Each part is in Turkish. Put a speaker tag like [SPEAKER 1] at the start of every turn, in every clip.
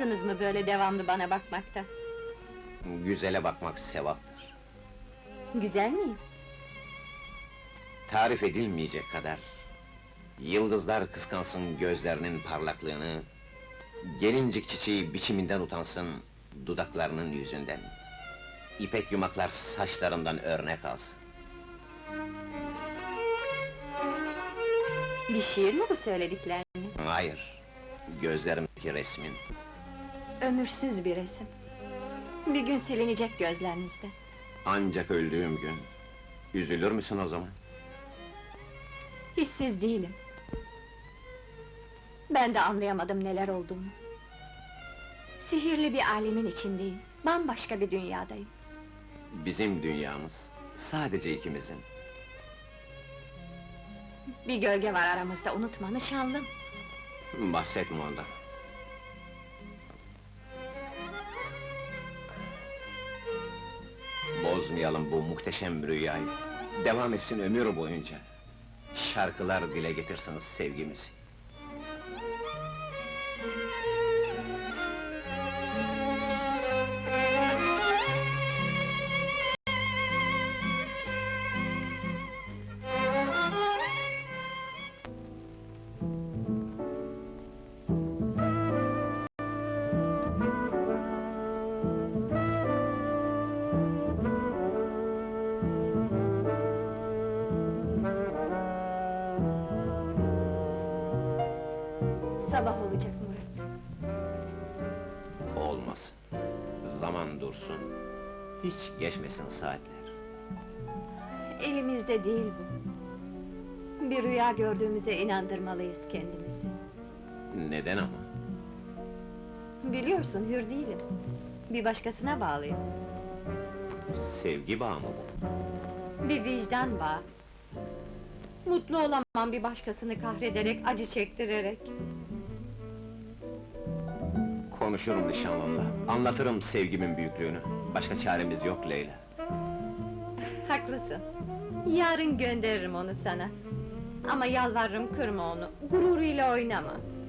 [SPEAKER 1] Sıkılmadınız mı böyle devamlı bana bakmakta?
[SPEAKER 2] Güzele bakmak sevaptır.
[SPEAKER 1] Güzel miyim?
[SPEAKER 2] Tarif edilmeyecek kadar. Yıldızlar kıskansın gözlerinin parlaklığını, gelincik çiçeği biçiminden utansın dudaklarının yüzünden. İpek yumaklar saçlarından örnek alsın.
[SPEAKER 1] Bir şiir mi bu söyledikleriniz?
[SPEAKER 2] Hayır, gözlerimdeki resmin.
[SPEAKER 1] Ömürsüz bir resim. Bir gün silinecek gözlerinizde.
[SPEAKER 2] Ancak öldüğüm gün, üzülür müsün o zaman?
[SPEAKER 1] Hissiz değilim. Ben de anlayamadım neler olduğunu. Sihirli bir alemin içindeyim, bambaşka bir dünyadayım.
[SPEAKER 2] Bizim dünyamız, sadece ikimizin.
[SPEAKER 1] Bir gölge var aramızda, unutma nişanlım.
[SPEAKER 2] Bahsetme ondan. Bozmayalım bu muhteşem rüyayı. Devam etsin ömür boyunca. Şarkılar dile getirsiniz sevgimizi.
[SPEAKER 1] Sabah olacak Murat.
[SPEAKER 2] Olmaz. Zaman dursun. Hiç geçmesin saatler.
[SPEAKER 1] Elimizde değil bu. Bir rüya gördüğümüze inandırmalıyız kendimizi.
[SPEAKER 2] Neden ama?
[SPEAKER 1] Biliyorsun, hür değilim. Bir başkasına bağlıyım.
[SPEAKER 2] Sevgi bağı mı bu?
[SPEAKER 1] Bir vicdan bağı. Mutlu olamam bir başkasını kahrederek, acı çektirerek.
[SPEAKER 2] Konuşurum nişanlımla, anlatırım sevgimin büyüklüğünü. Başka çaremiz yok Leyla.
[SPEAKER 1] Haklısın. Yarın gönderirim onu sana. Ama yalvarırım kırma onu, gururuyla oynama.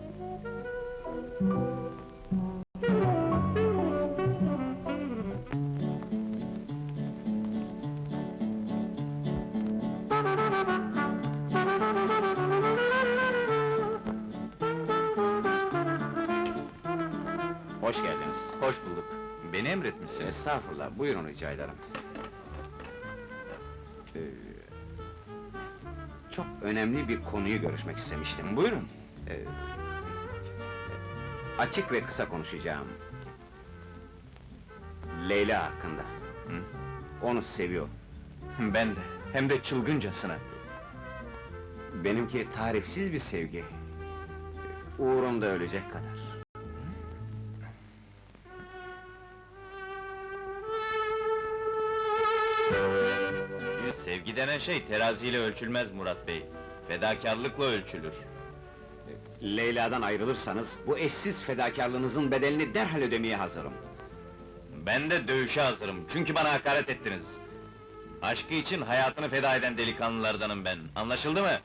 [SPEAKER 2] Hoş geldiniz.
[SPEAKER 3] Hoş bulduk. Beni emretmişsiniz.
[SPEAKER 2] Estağfurullah, buyurun rica ederim. Ee, Çok önemli bir konuyu görüşmek istemiştim.
[SPEAKER 3] Buyurun.
[SPEAKER 2] Açık ve kısa konuşacağım. Leyla hakkında.
[SPEAKER 3] Hı?
[SPEAKER 2] Onu seviyor.
[SPEAKER 3] Ben de, hem de çılgıncasına.
[SPEAKER 2] Benimki tarifsiz bir sevgi. Uğrunda ölecek kadar.
[SPEAKER 3] Sevgi denen şey teraziyle ölçülmez Murat Bey. Fedakarlıkla ölçülür.
[SPEAKER 2] Leyla'dan ayrılırsanız, bu eşsiz fedakarlığınızın bedelini derhal ödemeye hazırım.
[SPEAKER 3] Ben de dövüşe hazırım, çünkü bana hakaret ettiniz. Aşkı için hayatını feda eden delikanlılardanım ben, anlaşıldı mı?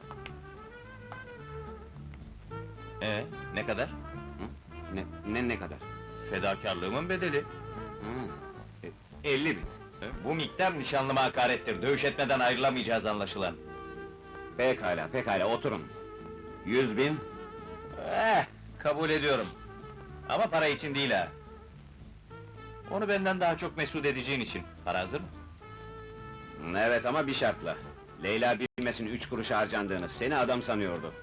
[SPEAKER 3] Ne kadar?
[SPEAKER 2] Ne kadar?
[SPEAKER 3] Fedakarlığımın bedeli.
[SPEAKER 2] Hı. 50.000.
[SPEAKER 3] Bu miktar nişanlıma hakarettir, dövüş etmeden ayrılamayacağız anlaşılan.
[SPEAKER 2] Pekala, oturun. 100.000.
[SPEAKER 3] Kabul ediyorum. Ama para için değil ha. Onu benden daha çok mesut edeceğin için. Para hazır mı?
[SPEAKER 2] Evet ama bir şartla. Leyla bilmesin 3 kuruş harcandığını, seni adam sanıyordu.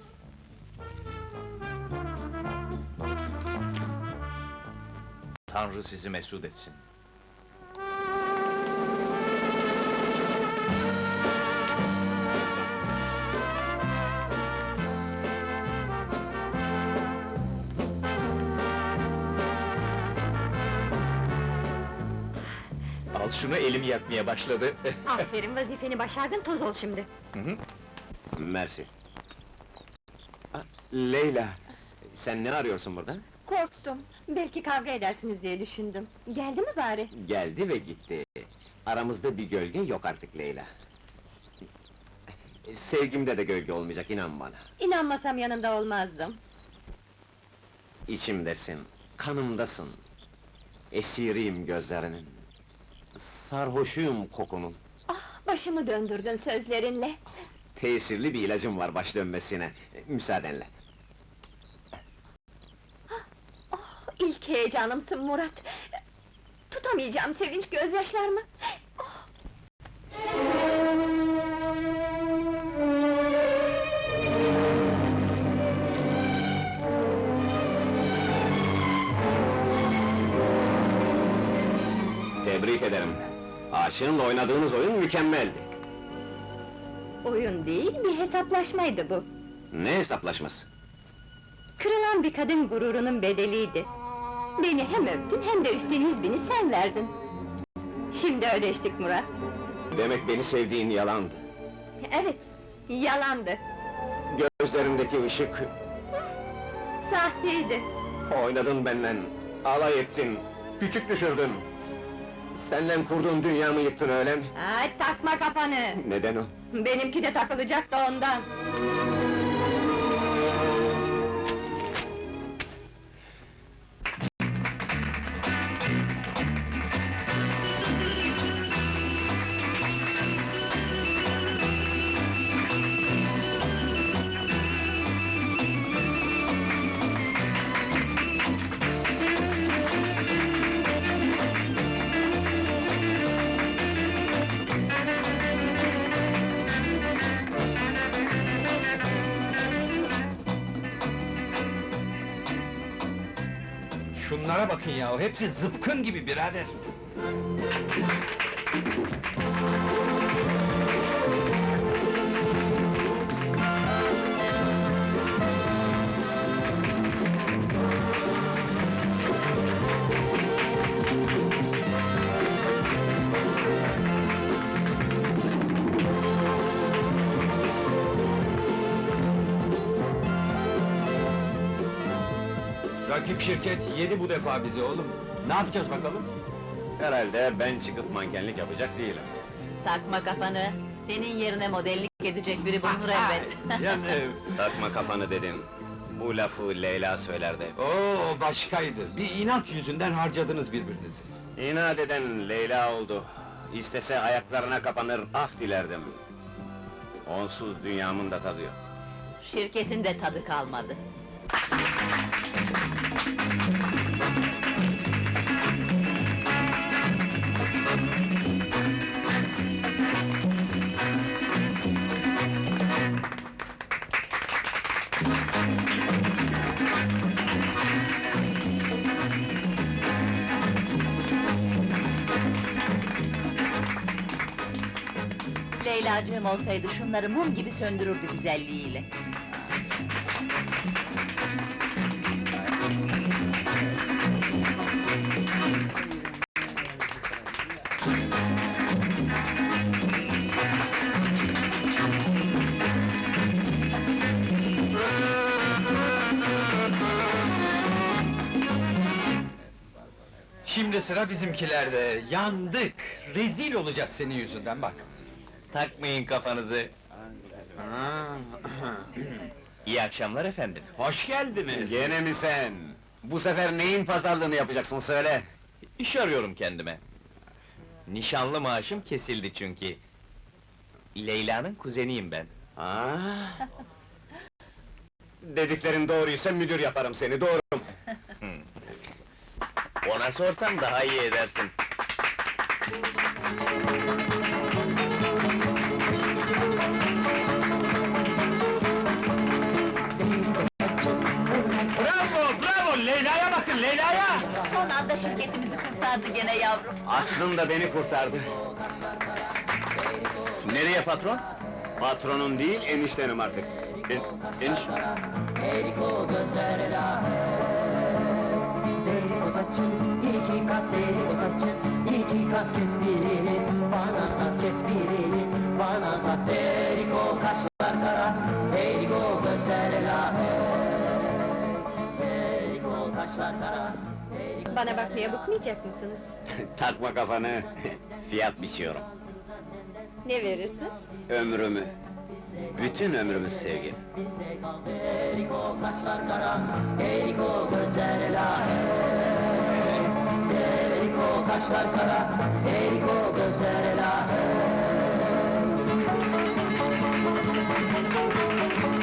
[SPEAKER 3] Tanrı sizi mesut etsin. Al şunu, elim yakmaya başladı.
[SPEAKER 1] Aferin, vazifeni başardın, toz ol şimdi.
[SPEAKER 3] Hı hı.
[SPEAKER 2] Mersi. Leyla, sen ne arıyorsun burada?
[SPEAKER 1] Korktum, belki kavga edersiniz diye düşündüm. Geldi mi bari?
[SPEAKER 2] Geldi ve gitti. Aramızda bir gölge yok artık Leyla. Sevgimde de gölge olmayacak, inan bana.
[SPEAKER 1] İnanmasam yanında olmazdım.
[SPEAKER 2] İçimdesin, Kanımdasın. Esiriyim gözlerinin. Sarhoşuyum kokunun.
[SPEAKER 1] Ah, başımı döndürdün sözlerinle.
[SPEAKER 2] Tesirli bir ilacım var baş dönmesine. Müsaadenle.
[SPEAKER 1] Oh, ilk heyecanımsın Murat. Tutamayacağım sevinç gözyaşlarımı. Oh!
[SPEAKER 2] Tebrik ederim. Aşığınla oynadığınız oyun mükemmeldi.
[SPEAKER 1] Oyun değil, bir hesaplaşmaydı bu.
[SPEAKER 2] Ne hesaplaşması?
[SPEAKER 1] Kırılan bir kadın gururunun bedeliydi. Beni hem öptün hem de üstten 100.000'i sen verdin. Şimdi ödeştik Murat.
[SPEAKER 2] Demek beni sevdiğin yalandı.
[SPEAKER 1] Evet, yalandı.
[SPEAKER 2] Gözlerindeki ışık,
[SPEAKER 1] Sahteydi.
[SPEAKER 2] oynadın benden, alay ettin, küçük düşürdün. Seninle kurduğum dünyamı yıktın öyle mi?
[SPEAKER 1] Ay, takma kafanı!
[SPEAKER 2] Neden o?
[SPEAKER 1] Benimki de takılacak da ondan.
[SPEAKER 4] Şunlara bakın ya, hepsi zıpkın gibi birader! Rakip şirket yedi bu defa bizi oğlum! Ne yapacağız bakalım?
[SPEAKER 2] Herhalde ben çıkıp mankenlik yapacak değilim.
[SPEAKER 5] Takma kafanı, senin yerine modellik edecek biri bulunur elbet.
[SPEAKER 4] Yani...
[SPEAKER 2] Takma kafanı dedim. Bu lafı Leyla söylerdi.
[SPEAKER 4] Oo, başkaydı! Bir inat yüzünden harcadınız birbirinizi.
[SPEAKER 2] İnat eden Leyla oldu. İstese ayaklarına kapanır, af dilerdim. Onsuz dünyamın da tadı yok.
[SPEAKER 5] Şirketin de tadı kalmadı. Leylacığım olsaydı şunları mum gibi söndürürdü güzelliğiyle.
[SPEAKER 4] Şimdi sıra bizimkilerde, yandık! Rezil olacağız senin yüzünden bak!
[SPEAKER 3] Takmayın kafanızı. İyi akşamlar efendim.
[SPEAKER 4] Hoş geldiniz!
[SPEAKER 2] Gene mi sen? Bu sefer neyin pazarlığını yapacaksın söyle!
[SPEAKER 3] İş arıyorum kendime. Nişanlı maaşım kesildi çünkü. Leyla'nın kuzeniyim ben.
[SPEAKER 2] Aa! Dediklerin doğruysa müdür yaparım seni, doğru mu?
[SPEAKER 3] Ona sorsam daha iyi edersin.
[SPEAKER 4] Bravo, bravo! Leyla'ya bakın, Leyla'ya!
[SPEAKER 5] Son anda şirketimizi kurtardı gene yavrum.
[SPEAKER 2] Aslında beni kurtardı.
[SPEAKER 3] Nereye patron?
[SPEAKER 2] Patronun değil, eniştenim artık. Eniş...
[SPEAKER 6] Eriko gözler Eriko saçın, iki kat Eriko saçın, iki kat kes birini, bana sat kes birini, bana sat Eriko kaşlar kara, Eriko gözler Eriko kaşlar kara.
[SPEAKER 1] Bana bakmaya bıkmayacak mısınız?
[SPEAKER 2] Takma kafanı, fiyat biçiyorum.
[SPEAKER 1] Ne verirsin?
[SPEAKER 2] Ömrümü. Bütün ömrümüz sevgi.
[SPEAKER 6] Bizde kaldı Eriko kaşlar kara, Eriko gözler lahe. Eriko kaşlar kara, Eriko gözler lahe.